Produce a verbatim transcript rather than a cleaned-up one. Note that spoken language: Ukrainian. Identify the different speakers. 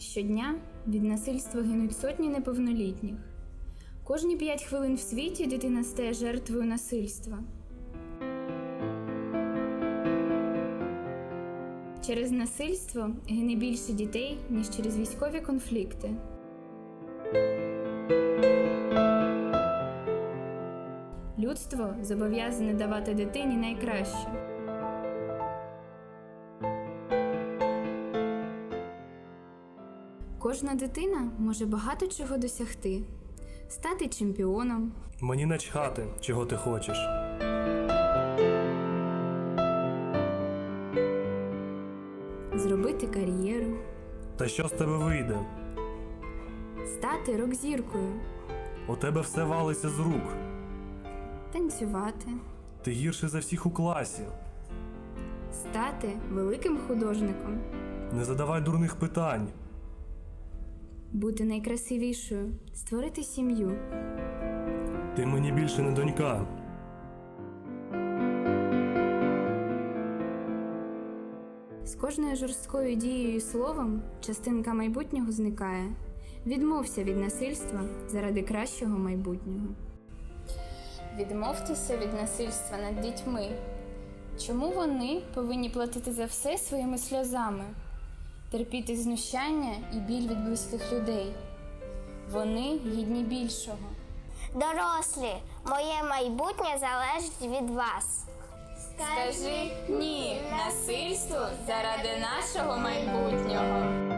Speaker 1: Щодня від насильства гинуть сотні неповнолітніх. Кожні п'ять хвилин в світі дитина стає жертвою насильства. Через насильство гине більше дітей, ніж через військові конфлікти. Людство зобов'язане давати дитині найкраще. Кожна дитина може багато чого досягти. Стати чемпіоном.
Speaker 2: Мені начхати, чого ти хочеш.
Speaker 1: Зробити кар'єру.
Speaker 2: Та що з тебе вийде?
Speaker 1: Стати рок-зіркою.
Speaker 2: У тебе все валиться з рук.
Speaker 1: Танцювати.
Speaker 2: Ти гірший за всіх у класі.
Speaker 1: Стати великим художником.
Speaker 2: Не задавай дурних питань.
Speaker 1: Бути найкрасивішою. Створити сім'ю.
Speaker 2: Ти мені більше не донька.
Speaker 1: З кожною жорсткою дією і словом частинка майбутнього зникає. Відмовся від насильства заради кращого майбутнього. Відмовтеся від насильства над дітьми. Чому вони повинні платити за все своїми сльозами? Терпіти знущання і біль від близьких людей? Вони гідні більшого.
Speaker 3: Дорослі, моє майбутнє залежить від вас.
Speaker 1: Скажи «ні» насильству заради нашого майбутнього.